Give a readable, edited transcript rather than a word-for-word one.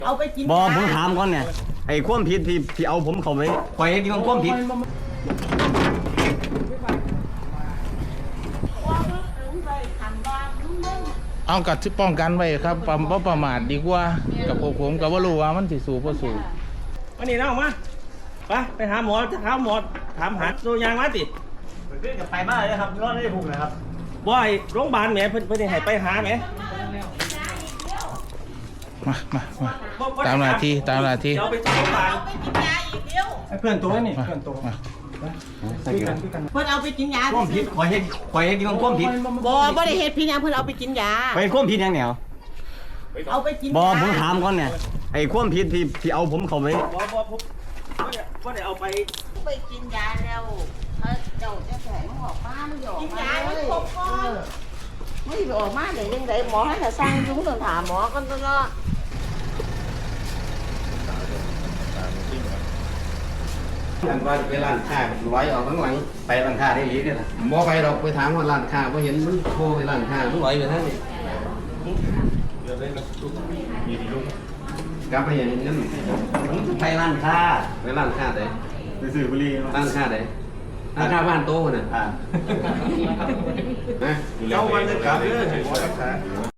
เอาไปกินบอผมถามก่อนเนี่ยไอ้ความผิดที่เอาผมเข้าไปปล่อยให้ดีของความผิดเอากัดที่ป้องกันไว้ครับประมาทดีกว่ากับผมกับว่ารู้ว่ามันสิสูบบ่สูบวันนี้น้องมาไปหาหมอจะถามหมอถามหาตัวยางมาติเรื่องกับไปมากเลยครับรอดได้ถูกนะครับบ่อยโรงพยาบาลแหมเพิ่นให้ไปหาแหมมาตามหน้าที่เดี๋ยวไปโรงพยาบาลเอาไปกินยาอีกเดียวเพื่อนตัวนี่มาเพื่อนตัวมาเพิ่นเอาไปกินยาความผิดปล่อยให้ดีของความผิดบ่ได้เฮ็ดพี่ยังเพิ่นเอาไปกินยาไปความผิดยังแนวเอาไปกินบอผมถามก่อนเนี่ยไอ้ความผิดที่เอาผมเข้าไปบ่ผมบ่ได้เอาไปไปกินยาแล้วเจ้าจะแผลมันออกมามันออกมากินยาให้ครบก่อนไม่ออกมาได้ยังไงหมอให้สร้างยุ้งต้องถามหมอกันตลอดอันว่าไปร้านค้าร้อยออกข้างหลังไปร้านค้าได้หรือเนี่ยนะบ่ไปดอกไปถามว่าร้านค้าบ่เห็นมันโทรไปร้านค้ามันร้อยไปทางนี้กลับไปอย่างนี้นั่นผมไปร้านค้าไปร้านค้าไหนไปซื้อบุหรี่ร้านค้าไหนร้านค้าบ้านโตน่ะอ่านะเจ้าวันจะกลับเด้อ